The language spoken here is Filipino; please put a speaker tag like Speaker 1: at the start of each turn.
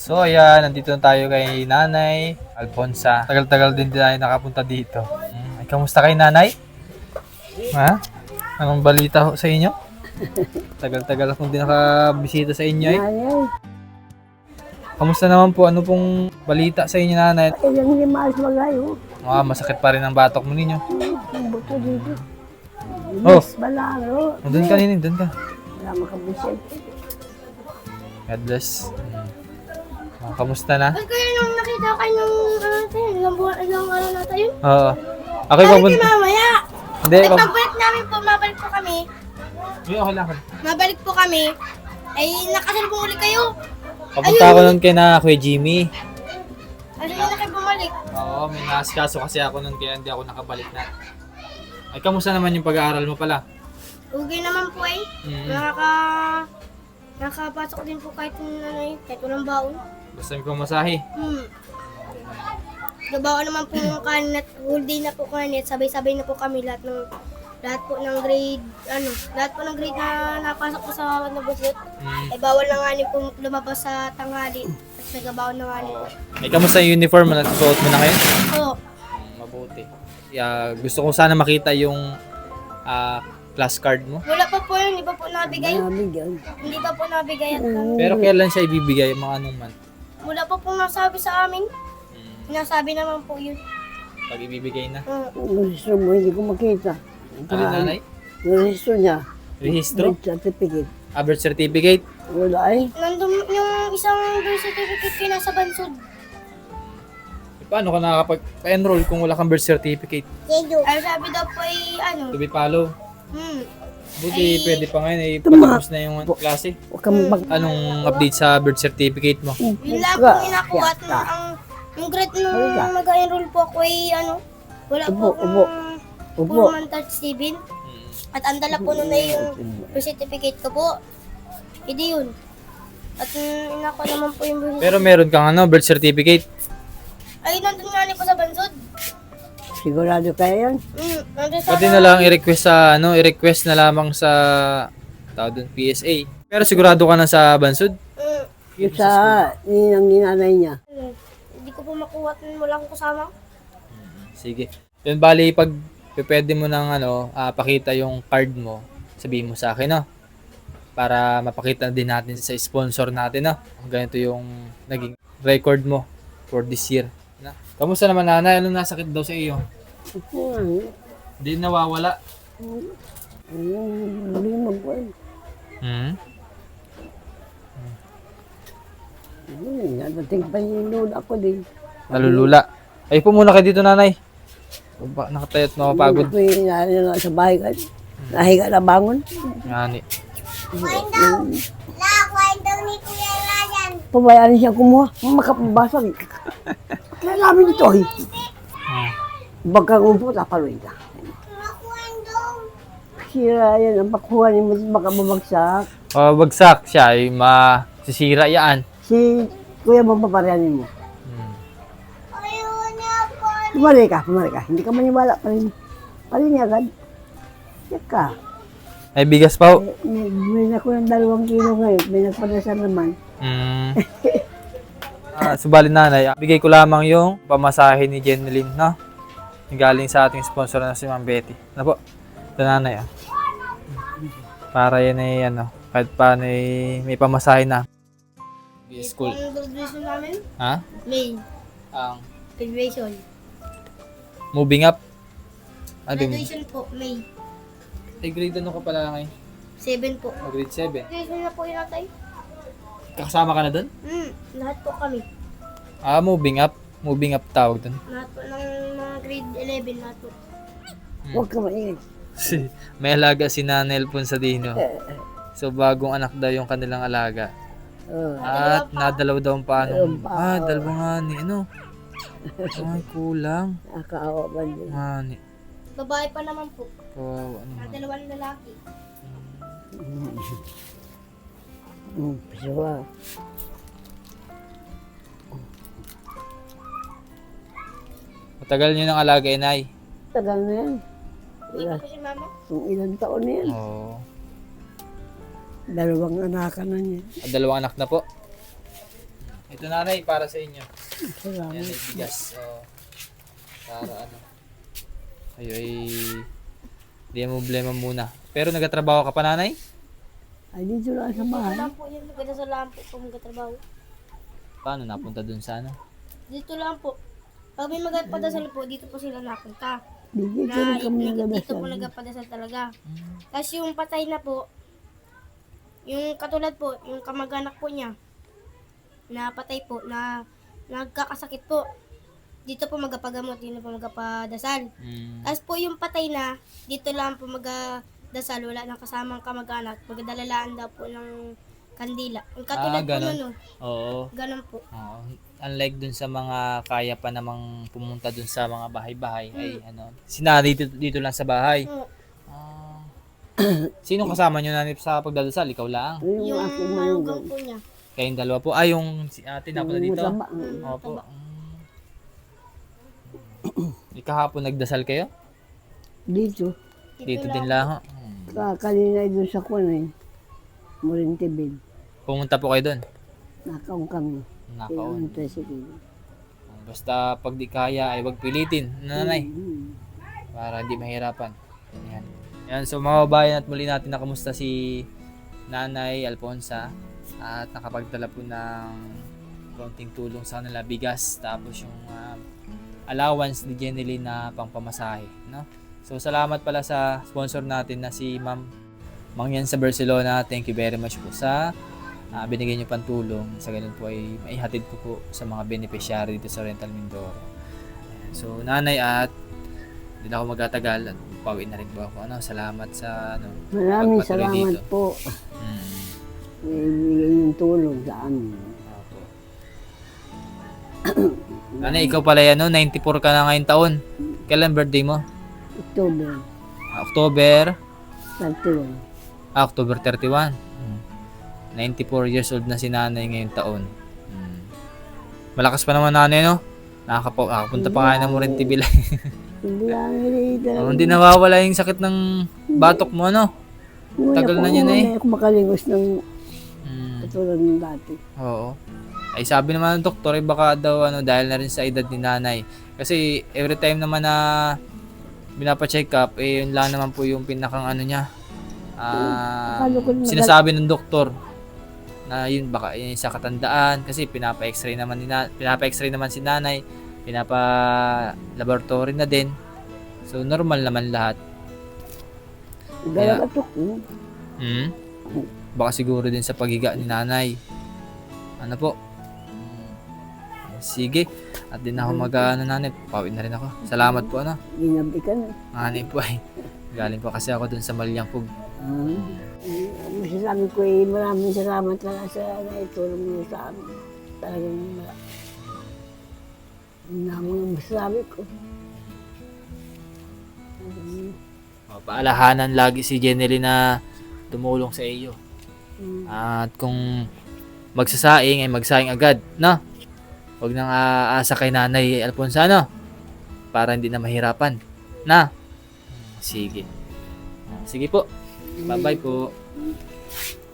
Speaker 1: So ayan, nandito na tayo kay Nanay Alfonsa. Tagal-tagal din tayo nakapunta dito. Ay, kamusta kay Nanay? Ha? Anong balita ho sa inyo? Tagal-tagal akong di nakabisita sa inyo eh.
Speaker 2: Ay,
Speaker 1: Kamusta naman po? Ano pong balita sa inyo, Nanay?
Speaker 2: ilang hindi maalis magayo.
Speaker 1: Masakit pa rin ang batok mo ninyo.
Speaker 2: Ang buto dito.
Speaker 1: Oh.
Speaker 2: Yes, balaro.
Speaker 1: Doon ka ninin, doon ka.
Speaker 2: Wala makabisit.
Speaker 1: God bless. Kamusta na?
Speaker 3: Ba't kaya nung nakita kayo nung ilang araw na tayo?
Speaker 1: Oo. Ako yung
Speaker 3: Bakit
Speaker 1: papunta.
Speaker 3: mamaya?
Speaker 1: Hindi,
Speaker 3: Ay, pagbalik namin po, mabalik po kami.
Speaker 1: okay lang.
Speaker 3: Mabalik po kami. Ay, nakasalubong ulit kayo.
Speaker 1: Papunta ako nun kay na Kuya Jimmy.
Speaker 3: Ano yun na kayo bumalik?
Speaker 1: Oo, may nasikaso kasi ako nun kaya hindi ako nakabalik na. Ay, kamusta naman yung pag-aaral mo pala?
Speaker 3: Okay naman po eh. Nakapasok din po kahit kahit walang baon.
Speaker 1: Basta may pamasahe.
Speaker 3: Nabaon naman po yung kanin at whole day na po kanin at sabay-sabay na po kami lahat po ng grade na napasok ko sa nabusot. Ay bawal na nga po lumabas sa tanghali at nagabawon na nga po.
Speaker 1: Ay, kamusta yung uniform mo? Nasusuot mo na ngayon?
Speaker 3: Oo.
Speaker 1: Mabuti. Gusto ko sana makita yung class card mo.
Speaker 3: Wala pa po yun, hindi pa po nabigay.
Speaker 2: Nabigyan.
Speaker 3: Hindi pa po nabigay at
Speaker 1: Pero kailan siya ibibigay? Mga anong month?
Speaker 3: wala pa po nasabi sa amin. Sinasabi naman po yun.
Speaker 1: Pag ibibigay na.
Speaker 2: Ang registro mo, hindi ko makita.
Speaker 1: Ano, Nanay?
Speaker 2: Yung registro niya.
Speaker 1: Rehistro?
Speaker 2: Birth certificate.
Speaker 1: Birth certificate?
Speaker 2: Wala ay.
Speaker 3: Nandun yung isang birth certificate ko nasa bansod.
Speaker 1: Paano ka nakakapag-enroll kung wala kang birth certificate?
Speaker 3: Ay sabi daw po ay
Speaker 1: To be follow. Buti pwede pa ngayon patapos na yung klase.
Speaker 2: Huwag ka mag...
Speaker 1: Anong update sa birth certificate mo?
Speaker 3: Yun lang po inakuha at yung grade nung mag-enroll po ako ay wala po
Speaker 2: Upo.
Speaker 3: puro man touch 7. At ang dala po nun ay yung birth certificate ko po. Hindi yun. At inakuha naman po yung birth certificate.
Speaker 1: Pero meron kang birth certificate.
Speaker 3: Ay, nandun nga po sa bansod.
Speaker 2: Sigurado kaya yan?
Speaker 3: Nandun sa...
Speaker 1: Pwede na lang i-request sa i-request na lamang sa tawag doon PSA. Pero sigurado ka na sa bansod?
Speaker 2: Yung sa ninanay niya.
Speaker 3: Hindi ko po makuha at wala akong kasama.
Speaker 1: Sige. Yun bali pag pwede mo nang pakita yung card mo, sabihin mo sa akin, no? Para mapakita din natin sa sponsor natin, no? Ganito yung naging record mo for this year. Na? Kamusta naman, Nanay? Anong nasakit daw sa iyo? Hindi nawawala.
Speaker 2: Hindi mag-wal. Nadating pa yung load ako din.
Speaker 1: Nalulula. Ay po muna kayo dito, Nanay. Nakatayo at mapapagod.
Speaker 2: Ako yung na sa bahay ka. Nahiga na bangon.
Speaker 1: Ngani.
Speaker 2: Pabayaan siya kumuha. Makapabasag. Kaya namin ito eh. Baka umpo, tapaluin ka. Sira yan. Ang pakuha ni mo baka bumagsak.
Speaker 1: Bagsak siya ay masisira yan.
Speaker 2: Si kuya mo paparianin mo. Pumari ka. Hindi ka maniwala pa rin. Pa rin agad. Check ka.
Speaker 1: May bigas pa ho.
Speaker 2: May ako ng 2 kilo ngayon. May nagpadasal naman.
Speaker 1: Subalit, Nanay, bigay ko lamang yung pamasahe ni Jeneline, no? Galing sa ating sponsor na si Ma'am Betty. Ano po? Ito, Nanay, Para yan ay kahit paano may pamasahe na. School.
Speaker 3: Ang graduation namin?
Speaker 1: Ha?
Speaker 3: May.
Speaker 1: Ang
Speaker 3: Graduation.
Speaker 1: moving up. Ano yung
Speaker 3: Graduation po, May.
Speaker 1: grade ano ka pala ngayon?
Speaker 3: 7 po.
Speaker 1: Grade 7.
Speaker 3: Graduation na po yun natay.
Speaker 1: Kasama ka na doon?
Speaker 3: Lahat po kami.
Speaker 1: Moving up. Moving up tawag doon.
Speaker 3: Lahat po ng mga grade 11 lahat po.
Speaker 2: Huwag ka maingay.
Speaker 1: May alaga si Nanay Alfonsa Dino. So bagong anak daw yung kanilang alaga. At nadalaw daw ang paano. Dalawa nga ni Ay, kulang.
Speaker 2: Nakakaawa ba din?
Speaker 1: Nga ni.
Speaker 3: Babae pa naman po.
Speaker 1: Kawawa naman.
Speaker 3: Dalawang lalaki.
Speaker 2: Pasuwa.
Speaker 1: Matagal nyo ng alaga, Inay.
Speaker 2: Tagal na yan.
Speaker 3: Hindi pa po si mama.
Speaker 2: Kung ilang taon na yan.
Speaker 1: Oo.
Speaker 2: 2 anak na niya.
Speaker 1: 2 anak na po. Ito nanay, para sa inyo.
Speaker 2: Salamat.
Speaker 1: Yan ay bigas. So, para ano. Kayo ay hindi mo problema muna. Pero nagtatrabaho ka pa nanay?
Speaker 2: Ay, dito lang sa bahay.
Speaker 3: Wala po yun. Maganda sa lang po kung magkatrabaho.
Speaker 1: Paano napunta dun sa ano?
Speaker 3: Dito lang po. Pag may magpadasal po, dito po sila napunta.
Speaker 2: Dito rin kami
Speaker 3: Dito po
Speaker 2: nagdadasal.
Speaker 3: nagpadasal talaga. Tapos yung patay na po, yung katulad po, yung kamag-anak po niya, na patay po, na nagkakasakit po. Dito po magapagamot, dito po magapadasal. Tapos po yung patay na, dito lang po magdasal, wala nang kasamang kamag-anak. Magdalalaan daw po ng kandila. Yung katulad po
Speaker 1: ganun.
Speaker 3: nun, no?
Speaker 1: Oo.
Speaker 3: Ganun po.
Speaker 1: Oo. Unlike dun sa mga kaya pa namang pumunta dun sa mga bahay-bahay ay ano, sina dito lang sa bahay.
Speaker 3: Oo.
Speaker 1: Ah. Sino kasama nyo nanay sa pagdadasal? Ikaw lang.
Speaker 3: Yung
Speaker 2: aking
Speaker 3: malugang
Speaker 2: malugang.
Speaker 3: po niya.
Speaker 1: Kayong dalawa po. Ah, yung si ate napunta dito.
Speaker 2: Mataba.
Speaker 1: Opo. Ikahapon nagdasal kayo?
Speaker 2: Dito.
Speaker 1: Dito din lang.
Speaker 2: Kanina doon sa kuwan eh. Morintibid.
Speaker 1: Pumunta po kayo doon.
Speaker 2: Nakaon kami.
Speaker 1: Nakaon.
Speaker 2: Yung tricycle.
Speaker 1: Basta pag di kaya ay wag pilitin, nanay,
Speaker 2: Hmm.
Speaker 1: para hindi mahirapan. Yan. Yan, so mga babayan at muli natin nakamusta si Nanay Alfonsa at nakapagdala po ng konting tulong sa kanila, bigas, tapos yung allowance ni Jenny na pangpamasahe, no? So salamat pala sa sponsor natin na si Ma'am Mangyan sa Barcelona. Thank you very much po sa binigay niyo pang tulong. Sa ganun po ay maihatid ko po sa mga beneficiary dito sa Rental Mindoro. Ayan. So nanay, at hindi na ako magtatagal at pauwi na rin po ako. Salamat sa
Speaker 2: Maraming
Speaker 1: pagpatuloy
Speaker 2: salamat
Speaker 1: dito.
Speaker 2: po. Ibigay yung tulong sa amin.
Speaker 1: Opo. Nanay, ikaw pala yan, 94 ka na ngayon taon. Kailan birthday mo?
Speaker 2: October
Speaker 1: October
Speaker 2: 31.
Speaker 1: October 31. 94 years old na si nanay ngayong taon. Malakas pa naman nanay, no? Nakakapunta pa nga ng Morentibil.
Speaker 2: Hindi lang nilita.
Speaker 1: Hindi nawawala yung sakit ng batok mo, no? Tagal na yan, eh.
Speaker 2: Hindi ako makalingos ng
Speaker 1: Mm,
Speaker 2: katulad ng dati.
Speaker 1: oo. Ay sabi naman ng doktor, baka daw dahil na rin sa edad ni nanay. Kasi every time naman na binapacheck up, yun lang naman po yung pinakang niya.
Speaker 2: Akala ko na-
Speaker 1: Sinasabi ng doktor na yun baka yun sa katandaan kasi pinapa-x-ray naman si nanay, pinapa-laboratory na din. So normal naman lahat.
Speaker 2: Dala katok.
Speaker 1: Baka siguro din sa paghiga ni nanay. Ano po? Sige. At din ako nanay. Pawid na rin ako. Salamat po
Speaker 2: Ginabi ka na.
Speaker 1: Nanay po ay. Galing po kasi ako dun sa Malyangpug.
Speaker 2: Masasabi ko maraming salamat talaga sa naitulong niyo sa amin. Talagang mga masasabi ko.
Speaker 1: Paalahanan lagi si Jenny na tumulong sa iyo. At kung magsasaing ay magsaing agad, no? Huwag nang aasa kay Nanay Alfonsa, no? Para hindi na mahirapan, na? Sige. Sige po. Bye-bye po.